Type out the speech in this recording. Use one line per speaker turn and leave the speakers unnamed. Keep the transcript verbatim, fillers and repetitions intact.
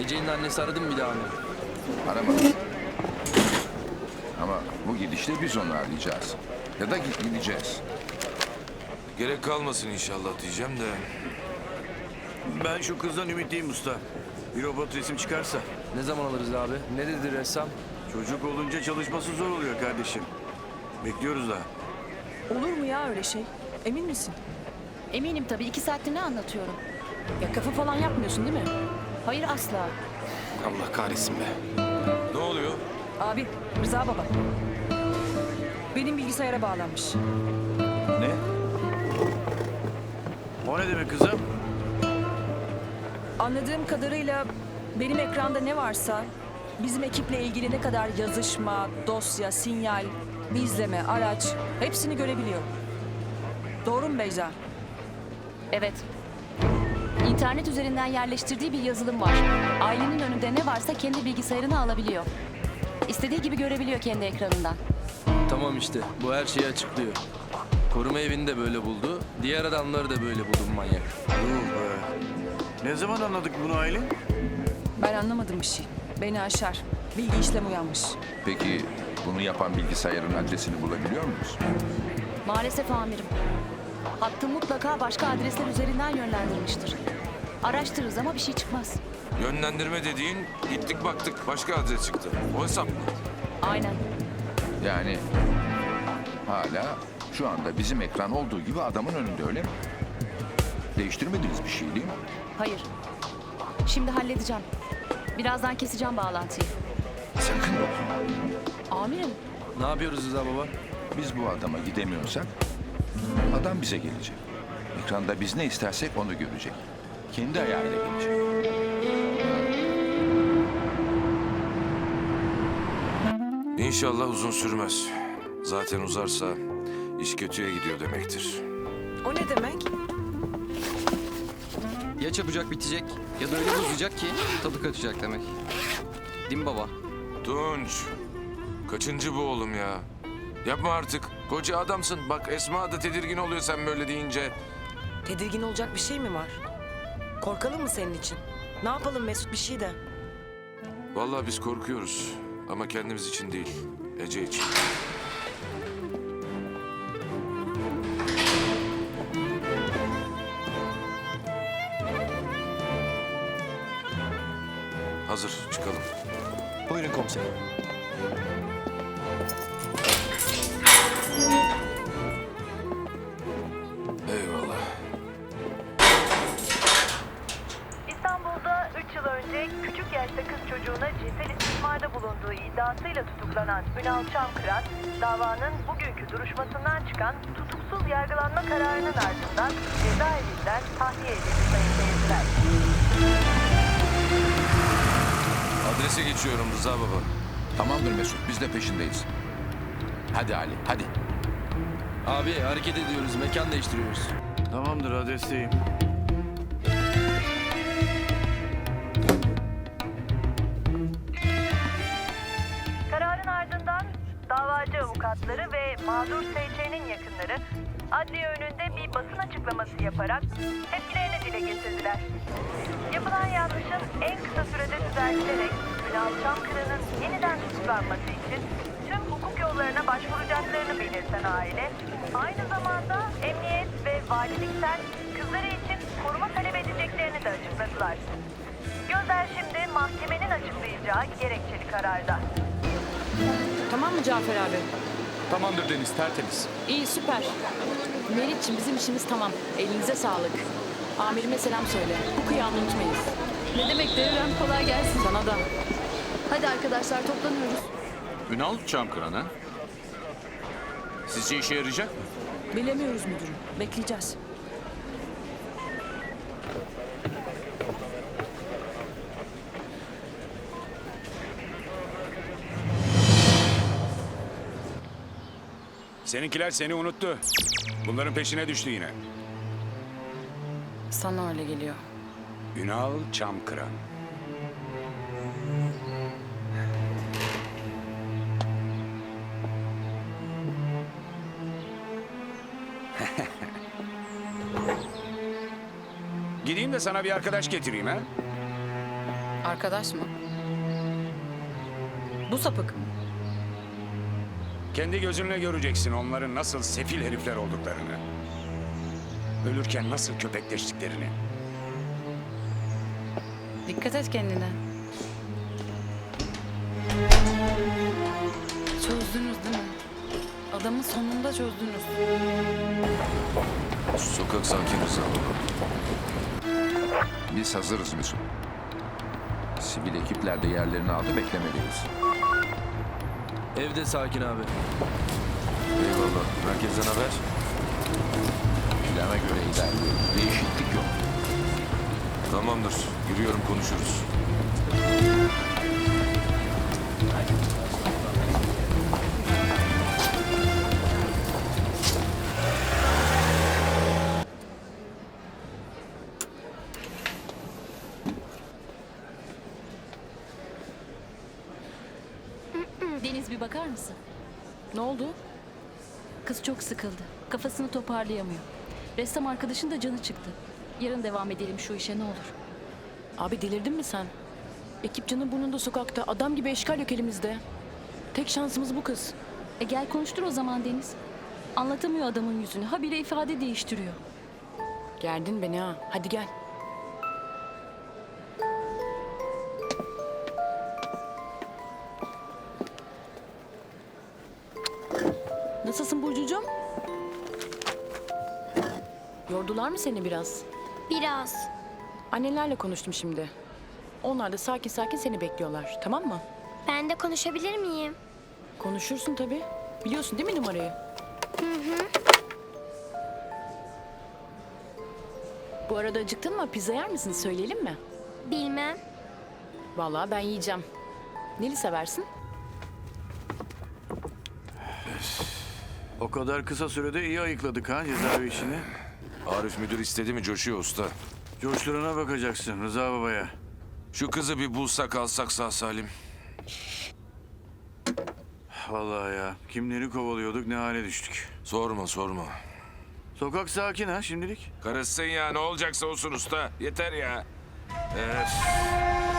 Ece'nin annesi aradı mı bir daha amirim?
Aramadım. Ama bu gidişle biz onu arayacağız. Ya da git gideceğiz.
Gerek kalmasın inşallah diyeceğim de.
Ben şu kızdan ümitliyim usta. Bir robot resim çıkarsa.
Ne zaman alırız abi? Ne dedi ressam?
Çocuk olunca çalışması zor oluyor kardeşim. Bekliyoruz daha.
Olur mu ya öyle şey? Emin misin?
Eminim tabii. iki saattir ne anlatıyorum?
Ya kafa falan yapmıyorsun değil mi?
Hayır asla.
Allah kahretsin be.
Ne oluyor?
Abi, Rıza baba. Benim bilgisayara bağlanmış.
Ne? O ne demek kızım?
Anladığım kadarıyla benim ekranda ne varsa bizim ekiple ilgili ne kadar yazışma, dosya, sinyal, izleme, araç hepsini görebiliyor. Doğru mu Beyza?
Evet. İnternet üzerinden yerleştirdiği bir yazılım var. Ailenin önünde ne varsa kendi bilgisayarına alabiliyor. İstediği gibi görebiliyor kendi ekranından.
Tamam işte bu her şeyi açıklıyor. Koruma evini de böyle buldu. Diğer adamları da böyle buldu bu manyak.
Yuh be. Ne zaman anladık bunu Aylin?
Ben anlamadım bir şey. Beni aşar. Bilgi işlem uyanmış.
Peki bunu yapan bilgisayarın adresini bulabiliyor muyuz?
Maalesef amirim. Hattı mutlaka başka adresler üzerinden yönlendirmiştir. Araştırırız ama bir şey çıkmaz.
Yönlendirme dediğin gittik baktık başka adres çıktı. O hesap mı?
Aynen.
Yani hala şu anda bizim ekran olduğu gibi adamın önünde, öyle mi? Değiştirmediniz bir şey değil mi?
Hayır. Şimdi halledeceğim. Birazdan keseceğim bağlantıyı.
Sakın dokunma.
Amirim,
Ne yapıyoruz Rıza baba?
Biz bu adama gidemiyorsak adam bize gelecek. Ekranda biz ne istersek onu görecek. Kendi ayağıyla gelecek.
İnşallah uzun sürmez. Zaten uzarsa iş kötüye gidiyor demektir.
O ne demek?
Ya çabucak bitecek ya da öyle uzayacak ki tadı kaçacak demek. Değil mi baba?
Tunç, kaçıncı bu oğlum ya? Yapma artık. Koca adamsın. Bak Esma da tedirgin oluyor sen böyle deyince.
Tedirgin olacak bir şey mi var? Korkalım mı senin için? Ne yapalım Mesut, bir şey de.
Vallahi biz korkuyoruz. Ama kendimiz için değil. Ece için. Hazır, çıkalım.
Buyurun komiserim.
Eyvallah.
İstanbul'da üç yıl önce küçük yaşta kız çocuğuna cinsel istismarda bulunduğu iddiasıyla tutuklanan Ünal Çamkıran, davanın bugünkü duruşmasından çıkan tutuksuz yargılanma kararının ardından cezaevinden tahliye edildi sayın seyirciler.
Adrese geçiyorum Rıza baba.
Tamamdır Mesut, biz de peşindeyiz. Hadi Ali, hadi.
Abi hareket ediyoruz. Mekan değiştiriyoruz.
Tamamdır, adresteyim.
Kararın ardından davacı avukatları ve mağdur S Ç'nin yakınları adliye önünde bir basın açıklaması yaparak tepkilerini dile getirdiler. Yapılan yanlışın en kısa sürede düzeltilerek Ünal Çamkıran'ın yeniden tutuklanması için tüm hukuk yollarına başvuracaklarını belirten aile, aynı zamanda emniyet ve valilikten kızları için koruma talep edeceklerini de açıkladılar. Gözler şimdi mahkemenin açıklayacağı gerekçeli kararda.
Tamam mı Cafer abi?
Tamamdır Deniz, tertemiz.
İyi, süper. Meriç'ciğim bizim işimiz tamam. Elinize sağlık. Amirime selam söyle. Bu kıyağını unutmayız.
ne demek Devrem, kolay gelsin.
Sana da.
Hadi arkadaşlar toplanıyoruz.
Ünal Çamkıran ha? Sizce işe yarayacak mı?
Bilemiyoruz müdürüm. Bekleyeceğiz.
Seninkiler seni unuttu. Bunların peşine düştü yine.
Sana öyle geliyor.
Ünal Çamkıran. Gideyim de sana bir arkadaş getireyim ha?
Arkadaş mı?
Bu sapık.
Kendi gözünle göreceksin onların nasıl sefil herifler olduklarını. Ölürken nasıl köpekleştiklerini.
Dikkat et kendine. Çözdünüz değil mi? Adamı sonunda çözdünüz.
Sokak sakin Rıza baba.
Biz hazırız Mesut. Sivil ekipler de yerlerini aldı, beklemeliyiz.
Evde sakin abi.
Eyvallah. Herkesten haber?
Plana göre ilerliyoruz. Değişiklik yok.
Tamamdır. Yürüyorum, konuşuruz.
Deniz, bir bakar mısın?
Ne oldu?
Kız çok sıkıldı. Kafasını toparlayamıyor. Ressam arkadaşın da canı çıktı. Yarın devam edelim şu işe, ne olur.
Abi delirdin mi sen? Ekip canı burnunda sokakta. Adam gibi eşkal yok elimizde. Tek şansımız bu kız.
E gel konuştur o zaman Deniz. Anlatamıyor adamın yüzünü. Habire ifade değiştiriyor.
Gerdin beni ha. Hadi gel. Nasılsın Burcucuğum? Yordular mı seni biraz?
Biraz.
Annelerle konuştum şimdi. Onlar da sakin sakin seni bekliyorlar. Tamam mı?
Ben de konuşabilir miyim?
Konuşursun tabii. Biliyorsun değil mi numarayı?
Hı hı.
Bu arada acıktın mı? Pizza yer misin? Söyleyelim mi?
Bilmem.
Vallahi ben yiyeceğim. Neli seversin?
O kadar kısa sürede iyi ayıkladık ha cezaevi işini.
Arif müdür istedi mi coşuyor usta.
Coşturana bakacaksın Rıza babaya.
Şu kızı bir bulsak alsak sağ salim.
Vallahi ya kimleri kovalıyorduk ne hale düştük.
Sorma sorma.
Sokak sakin ha şimdilik.
Karışsın ya, ne olacaksa olsun usta. Yeter ya. Evet.